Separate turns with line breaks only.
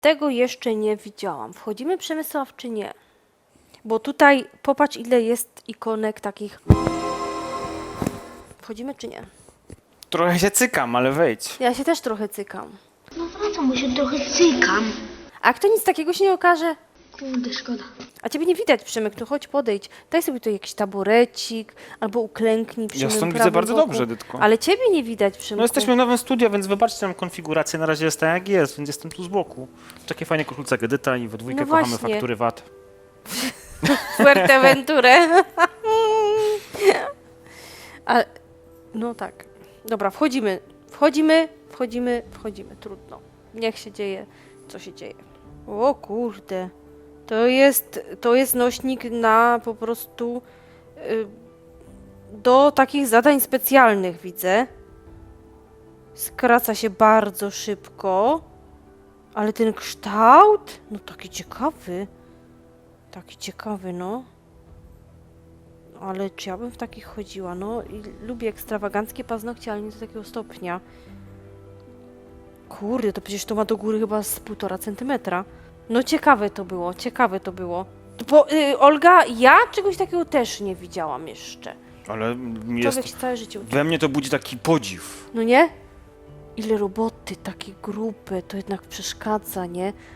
Tego jeszcze nie widziałam. Wchodzimy, Przemysław, czy nie? Bo tutaj popatrz, ile jest ikonek takich. Wchodzimy, czy nie?
Trochę się cykam, ale wejdź.
Ja się też trochę cykam.
No wracam, bo się trochę cykam.
A jak to nic takiego się nie okaże?
Kurde, szkoda.
A ciebie nie widać, Przemek, no chodź podejdź. Daj sobie tu jakiś taburecik, albo uklęknij przy
Ja
mym
stąd widzę
prawym
bardzo
boku.
dobrze, Dytko.
Ale ciebie nie widać, Przemku.
No jesteśmy w nowym studio, więc wybaczcie nam konfigurację. Na razie jest tak jak jest, więc jestem tu z boku. Takie fajnie koszulce Edyta i we dwójkę
No
kochamy
właśnie.
faktury VAT.
Fuerteventurę. A, no tak. Dobra, wchodzimy. Wchodzimy. Trudno. Niech się dzieje, co się dzieje. O kurde. To jest nośnik na po prostu do takich zadań specjalnych, widzę. Skraca się bardzo szybko. Ale ten kształt, no taki ciekawy. Taki ciekawy, no. Ale czy ja bym w takich chodziła? No i lubię ekstrawaganckie paznokcie, ale nie do takiego stopnia. Kurde, to przecież to ma do góry chyba z 1,5 centymetra. No ciekawe to było. Bo, Olga, ja czegoś takiego też nie widziałam jeszcze.
Ale
Człowiek się całe życie uczy.
we mnie to budzi taki podziw.
No nie? Ile roboty, takie grube, to jednak przeszkadza, nie?